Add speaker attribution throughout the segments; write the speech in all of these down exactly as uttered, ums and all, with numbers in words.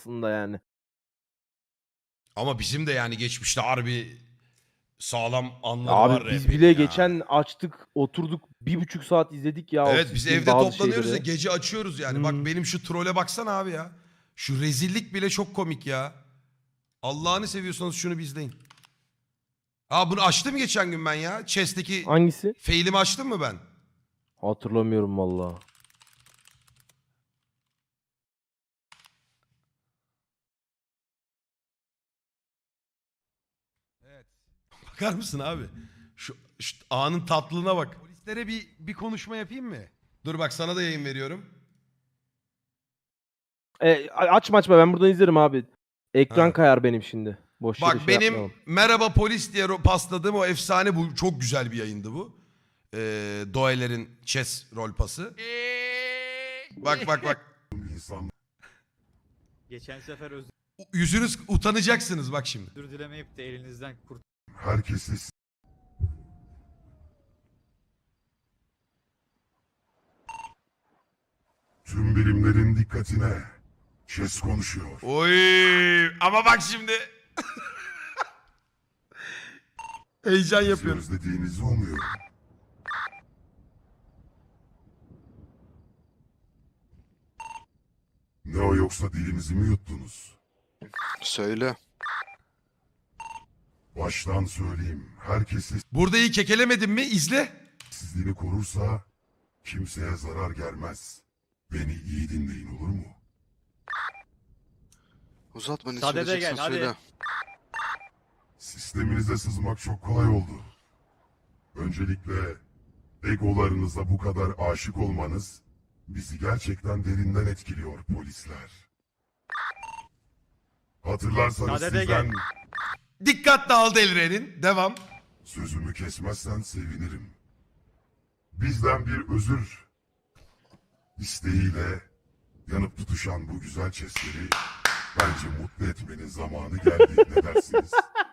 Speaker 1: aslında yani.
Speaker 2: Ama bizim de yani geçmişte harbi sağlam anları
Speaker 1: Abi
Speaker 2: var
Speaker 1: biz
Speaker 2: rap'in
Speaker 1: bile
Speaker 2: ya.
Speaker 1: geçen açtık, oturduk bir buçuk saat izledik ya o
Speaker 2: Evet biz
Speaker 1: siktiğin
Speaker 2: evde
Speaker 1: bazı
Speaker 2: toplanıyoruz ya
Speaker 1: şeyleri.
Speaker 2: gece açıyoruz yani.
Speaker 1: Hmm.
Speaker 2: Bak benim şu trole baksana abi ya. Şu rezillik bile çok komik ya. Allah'ını seviyorsanız şunu bir izleyin. Aa bunu açtım geçen gün ben ya. Chess'teki
Speaker 1: Hangisi?
Speaker 2: fail'imi açtım mı ben?
Speaker 1: Hatırlamıyorum valla.
Speaker 2: Evet. Bakar mısın abi? Şu, şu anın tatlılığına bak.
Speaker 3: Polislere bir bir konuşma yapayım mı?
Speaker 2: Dur bak sana da yayın veriyorum.
Speaker 1: E, açma açma, ben buradan izlerim abi. Ekran
Speaker 2: Ha.
Speaker 1: kayar benim şimdi. Boş yere
Speaker 2: Bak
Speaker 1: şey
Speaker 2: benim
Speaker 1: yapmayalım.
Speaker 2: merhaba polis diye ro- pasladığım o efsane bu. Çok güzel bir yayındı bu. Ee, Doeler'in chess rol pası. Bak bak bak.
Speaker 4: Geçen sefer özür
Speaker 2: Yüzünüz utanacaksınız bak şimdi.
Speaker 4: dilemeyip de elinizden kurt
Speaker 5: Herkese tüm birimlerin dikkatine. Chess konuşuyor.
Speaker 2: Oy ama bak şimdi. Heyecan
Speaker 5: Sizi
Speaker 2: yapıyorum.
Speaker 5: özlediğinizi umuyorum. Ne o yoksa dilinizi mi yuttunuz?
Speaker 6: Söyle.
Speaker 5: Baştan söyleyeyim. Herkes
Speaker 2: Burada iyi kekelemedim mi? İzle.
Speaker 5: sessizliğini korursa kimseye zarar gelmez. Beni iyi dinleyin olur mu?
Speaker 6: Uzatma ne
Speaker 4: Sadede
Speaker 6: söyleyeceksen
Speaker 4: gel, hadi.
Speaker 6: söyle.
Speaker 5: Sisteminize sızmak çok kolay oldu. Öncelikle egolarınıza bu kadar aşık olmanız bizi gerçekten derinden etkiliyor polisler. Hatırlarsanız
Speaker 4: Sadede
Speaker 5: sizden
Speaker 4: gel.
Speaker 2: Dikkat dağıldı Elren'in. Devam.
Speaker 5: sözümü kesmezsen sevinirim. Bizden bir özür isteğiyle yanıp tutuşan bu güzel chestleri bence mutlu etmenin zamanı geldi. Ne dersiniz?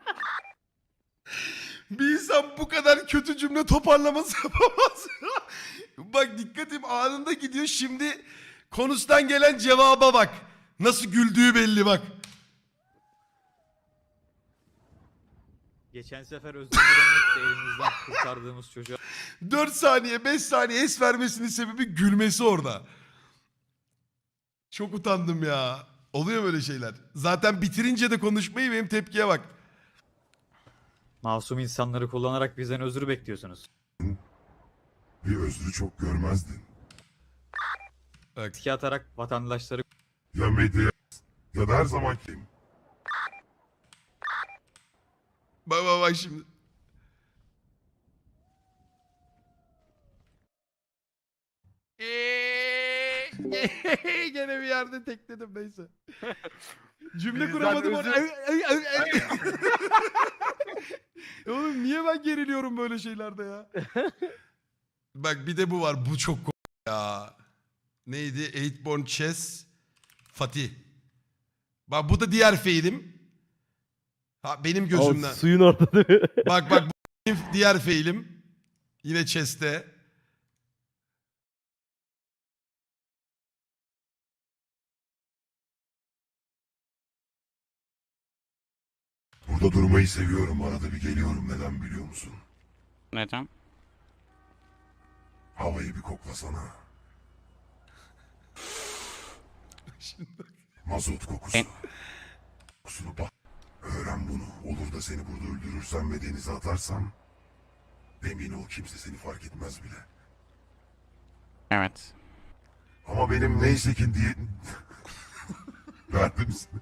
Speaker 2: Bir insan bu kadar kötü cümle toparlaması yapamaz. Bak dikkatim anında gidiyor. Şimdi konustan gelen cevaba bak. Nasıl güldüğü belli bak.
Speaker 4: geçen sefer özür dilemeyip de elinizden kurtardığımız çocuğa
Speaker 2: dört saniye beş saniye es vermesinin sebebi gülmesi orada. Çok utandım ya. Oluyor böyle şeyler. Zaten bitirince de konuşmayı benim tepkiye bak.
Speaker 4: masum insanları kullanarak bizden özür bekliyorsunuz.
Speaker 5: Bir özrü çok görmezdin.
Speaker 2: Bak.
Speaker 4: Tiki atarak vatandaşları
Speaker 5: Ya medya ya da her zaman kim?
Speaker 2: Bak bak bak şimdi. Gene bir yerde tekledim neyse. Cümle
Speaker 3: Bizden
Speaker 2: kuramadım orada.
Speaker 3: özür-
Speaker 2: Oğlum niye ben geriliyorum böyle şeylerde ya? Bak bir de bu var. Bu çok ko- ya. Neydi? Eightborn Chess Fatih. Bak bu da diğer feilim. Ha benim
Speaker 1: O
Speaker 2: gözümden.
Speaker 1: suyun orada değil mi?
Speaker 2: Bak bak bu benim diğer feilim. Yine chess'te.
Speaker 5: Burada durmayı seviyorum. Arada bir geliyorum. Neden biliyor musun?
Speaker 7: Neden?
Speaker 5: Havayı bir koklasana. Mazot kokusu.
Speaker 7: En-
Speaker 5: Kokusunu bak. Öğren bunu. Olur da seni burada öldürürsem ve denize atarsam emin ol kimse seni fark etmez bile.
Speaker 7: Evet.
Speaker 5: Ama benim neyse ki diye... Verdim misin?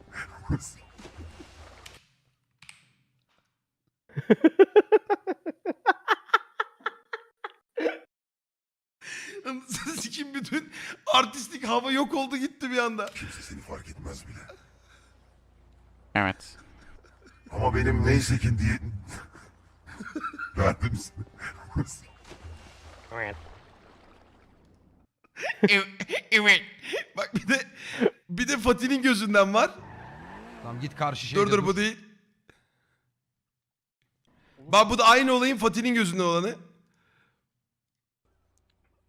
Speaker 2: Sikim bütün artistik hava yok oldu gitti bir anda.
Speaker 5: Kimse seni fark etmez bile.
Speaker 7: Evet.
Speaker 5: Ama benim neyse ki diye... Verdim misin?
Speaker 2: Evet. Bak bir de bir de Fatih'in gözünden var.
Speaker 3: Tamam git karşı şeyde
Speaker 2: Dur dur bu değil. Bak bu da aynı olayın Fatih'in gözünden olanı.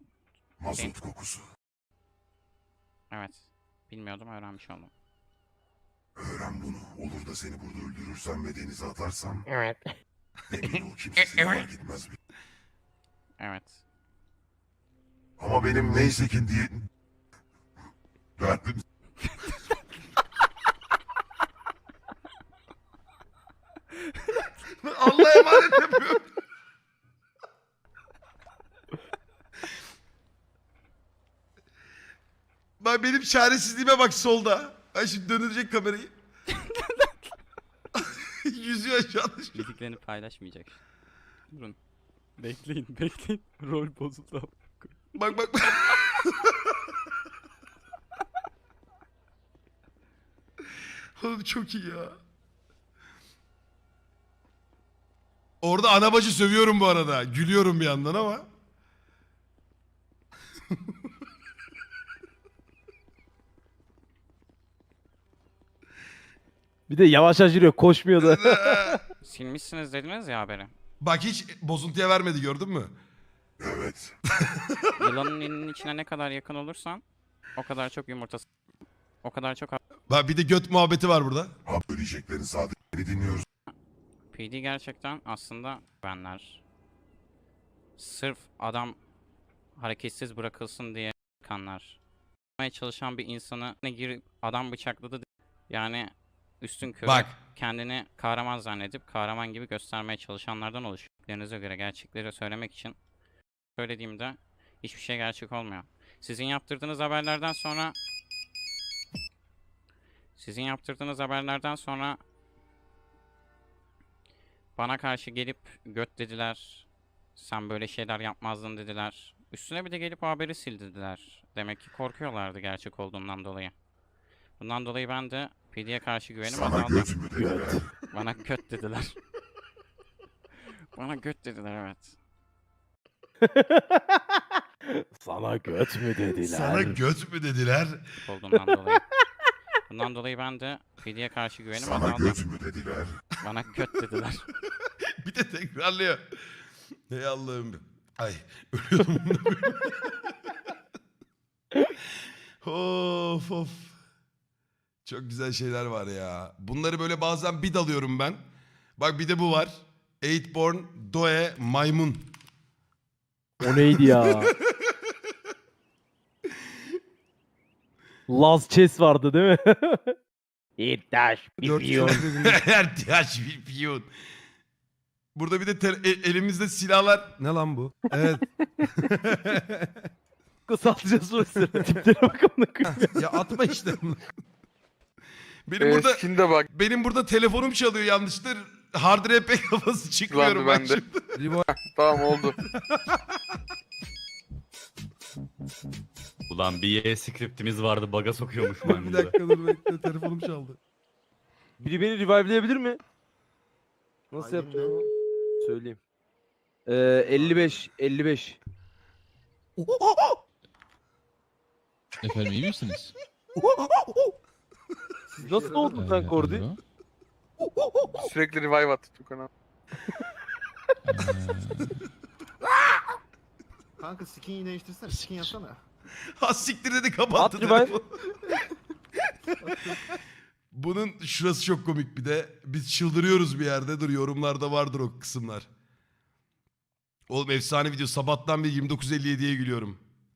Speaker 5: Mazot kokusu.
Speaker 7: Evet. Bilmiyordum, öğrenmiş oldum.
Speaker 5: da seni burada öldürürsem ve denize atarsam
Speaker 7: Evet.
Speaker 5: emin ol kimse seni fark etmez.
Speaker 7: Evet.
Speaker 5: Ama benim neyse ki diye... Derdim
Speaker 2: Allah'a emanet yapıyorum. Bak benim çaresizliğime bak solda. Ben şimdi döndürecek kamerayı. Yüzüyor aşağıda.
Speaker 7: Bildiklerini paylaşmayacak. Durun. Bekleyin, bekleyin. Rol bozuldu.
Speaker 2: Bak bak. Oğlum çok iyi ya. Orada ana bacı sövüyorum bu arada. Gülüyorum bir yandan ama.
Speaker 1: Bir de yavaş yavaş yürüyor, koşmuyor da.
Speaker 7: Silmişsiniz dediniz ya haberi.
Speaker 2: Bak hiç bozuntuya vermedi gördün mü?
Speaker 5: evet.
Speaker 7: Yılanın elinin içine ne kadar yakın olursan o kadar çok yumurtası, o kadar çok
Speaker 2: Bak bir de göt muhabbeti var burada.
Speaker 5: Ha söyleyeceklerin sadece beni dinliyoruz.
Speaker 7: P D gerçekten aslında benler. Sırf adam hareketsiz bırakılsın diye kanlar. Yapmaya çalışan bir insanı ne girip adam bıçakladı. Yani üstün körü
Speaker 2: Bak.
Speaker 7: kendini kahraman zannedip kahraman gibi göstermeye çalışanlardan oluşuyor. Dediklerinize göre gerçekleri söylemek için söylediğimde hiçbir şey gerçek olmuyor. Sizin yaptırdığınız haberlerden sonra sizin yaptırdığınız haberlerden sonra bana karşı gelip göt dediler. Sen böyle şeyler yapmazdın dediler. Üstüne bir de gelip o haberi sil dediler. Demek ki korkuyorlardı gerçek olduğundan dolayı. Bundan dolayı ben de P D'ye karşı güvenim
Speaker 5: Sana
Speaker 7: azaldı.
Speaker 5: göt mü dediler?
Speaker 7: Bana göt dediler. Bana göt dediler evet.
Speaker 1: Sana göt mü dediler?
Speaker 2: Sana göt mü dediler?
Speaker 7: Olduğundan dolayı. Bundan dolayı ben de P D'ye karşı güvenim
Speaker 5: Sana
Speaker 7: azaldı.
Speaker 5: göt mü dediler?
Speaker 7: Bana göt dediler.
Speaker 2: Bir de tekrarlıyor. Ey Allah'ım. Ay ölüyordum. Of of. Çok güzel şeyler var ya. Bunları böyle bazen bir dalıyorum ben. Bak bir de bu var. Eightborn Doe Maymun.
Speaker 1: O neydi ya? Laz Chess vardı değil mi? İddaş
Speaker 3: Dört
Speaker 1: biliyor.
Speaker 2: Ertiyaş bir piyon. Burada bir de te- e- elimizde silahlar.
Speaker 3: Ne lan bu? Evet.
Speaker 1: Kısaltacağız o sıra. Tiplere bak amına koyayım.
Speaker 3: Ya atma işte.
Speaker 2: Benim burada
Speaker 6: Eskinde bak.
Speaker 2: benim burada telefonum çalıyor yanlıştır. Hard R P kafası çıkmıyorum ben
Speaker 6: bende.
Speaker 2: şimdi.
Speaker 3: Libo
Speaker 6: Tamam oldu.
Speaker 8: Ulan bir Y scriptimiz vardı baga sokuyormuş
Speaker 3: bir
Speaker 8: maymun da.
Speaker 3: dakika dur bekle telefonum çaldı.
Speaker 1: Biri beni revive'leyebilir mi? Nasıl yapacağım? Söyleyeyim. Ee, elli beş, elli beş.
Speaker 9: Efendim iyi misiniz?
Speaker 1: Siz nasıl oldun sen Kordi?
Speaker 6: Sürekli revive attı Tukan abi.
Speaker 10: Kanka skin'i değiştirsene. Skin yapsana.
Speaker 2: Ha siktir dedi kapattı
Speaker 1: At revive.
Speaker 2: telefonu. Bunun şurası çok komik bir de. Biz çıldırıyoruz bir yerde. Dur yorumlarda vardır o kısımlar. Oğlum efsane video. Sabahtan bir yirmi dokuz elli yediye gülüyorum.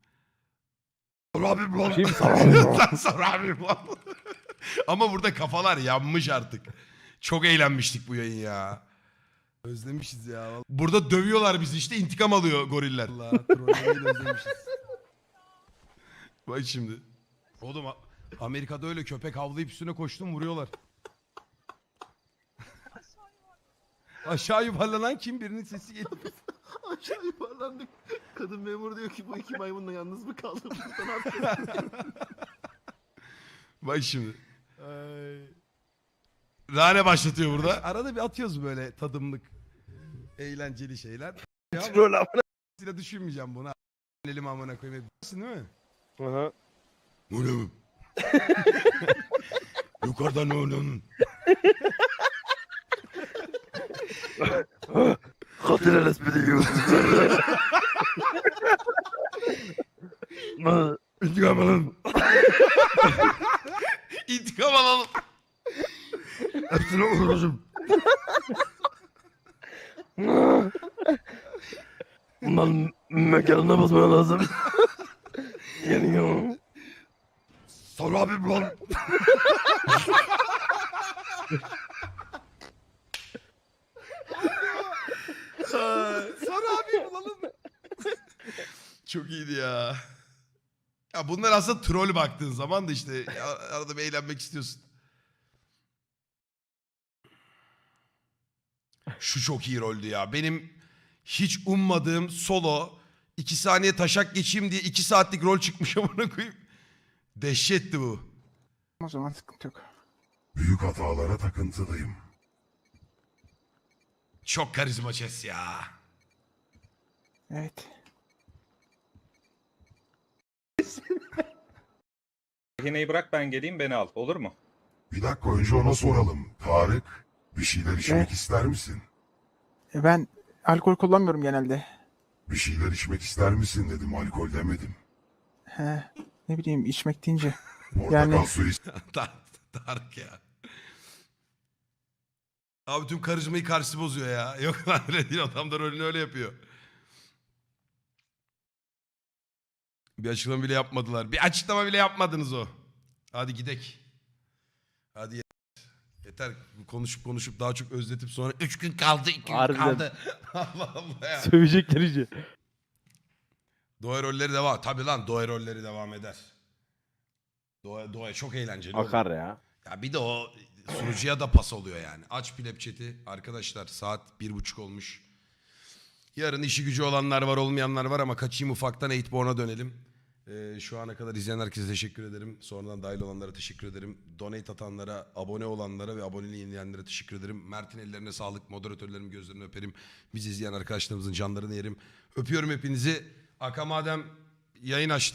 Speaker 2: Abim lan.
Speaker 1: Şey mi
Speaker 2: Lan sonra abim lan. Ama burada kafalar yanmış artık. Çok eğlenmiştik bu yayın ya. Özlemişiz ya. Burada dövüyorlar bizi işte intikam alıyor goriller.
Speaker 3: Allah trollemeyi de özlemişiz.
Speaker 2: Bak şimdi. Oğlum A- Amerika'da öyle köpek havlayıp üstüne koştum vuruyorlar. Aşağı yuvarlanan kim birinin sesi geliyor.
Speaker 10: Aşağı yuvarlandık. Kadın memur diyor ki bu iki maymunla yalnız mı kaldım? Burada ne yapacağız?
Speaker 2: Bak şimdi. Rane başlatıyor burada.
Speaker 3: Arada bir atıyoruz böyle tadımlık eğlenceli şeyler.
Speaker 1: Troll amına.
Speaker 2: Size düşünmeyeceğim bunu. Elim amına koyayım. Bilirsin değil mi?
Speaker 1: Aha.
Speaker 2: Bu ne bu? Yukarıdan ne onun?
Speaker 1: Kadın resmi diyor.
Speaker 2: İntikam alalım. İntikam alalım.
Speaker 3: Hepsine vuracağım.
Speaker 1: Bundan mekanına basmaya lazım. Geliyor.
Speaker 3: Sonra abim lan.
Speaker 2: Sonra abi bulalım. Çok iyiydi ya. Ya bunlar aslında troll baktığın zaman da işte ya arada bir eğlenmek istiyorsun. Şu çok iyi roldü ya. Benim hiç ummadığım solo iki saniye taşak geçeyim diye iki saatlik rol çıkmış amına koyayım. Dehşetti bu.
Speaker 6: O zaman sıkıntı yok.
Speaker 5: Büyük hatalara takıntılıyım.
Speaker 2: Çok karizma Chess ya.
Speaker 6: Evet.
Speaker 11: Rehineyi bırak ben geleyim beni al. Olur mu?
Speaker 5: Bir dakika önce ona soralım. Tarık, bir şeyler içmek ister misin?
Speaker 6: Ben alkol kullanmıyorum genelde.
Speaker 5: Bir şeyler içmek ister misin dedim, alkol demedim.
Speaker 6: He, ne bileyim içmek deyince.
Speaker 5: Portakal
Speaker 6: Yani-
Speaker 5: suyu
Speaker 2: Tar- Tarık ya. Abi tüm karizmayı karşısı bozuyor ya. Yok lan öyle değil, adam da rolünü öyle yapıyor. Bir açıklama bile yapmadılar. Bir açıklama bile yapmadınız o. Hadi gidek. Hadi yeter. Yeter. Konuşup konuşup daha çok özletip sonra üç gün kaldı, iki gün
Speaker 1: Harbiden.
Speaker 2: kaldı. Allah Allah ya.
Speaker 1: Sövecekler iyice.
Speaker 2: Doğa rolleri devam. Tabii lan Doğa rolleri devam eder. Doğa, Doğa çok eğlenceli. oğlum.
Speaker 1: Akar ya.
Speaker 2: Ya bir de o sunucuya da pas oluyor yani. Aç Pleb chat'i. Arkadaşlar saat bir buçuk olmuş. Yarın işi gücü olanlar var, olmayanlar var ama kaçayım ufaktan Eightborn'a dönelim. Ee, şu ana kadar izleyen herkese teşekkür ederim. Sonradan dahil olanlara teşekkür ederim. Donate atanlara, abone olanlara ve aboneliği yenileyenlere teşekkür ederim. Mert'in ellerine sağlık, moderatörlerim gözlerini öperim. Bizi izleyen arkadaşlarımızın canlarını yerim. Öpüyorum hepinizi. Aka madem yayın açtı.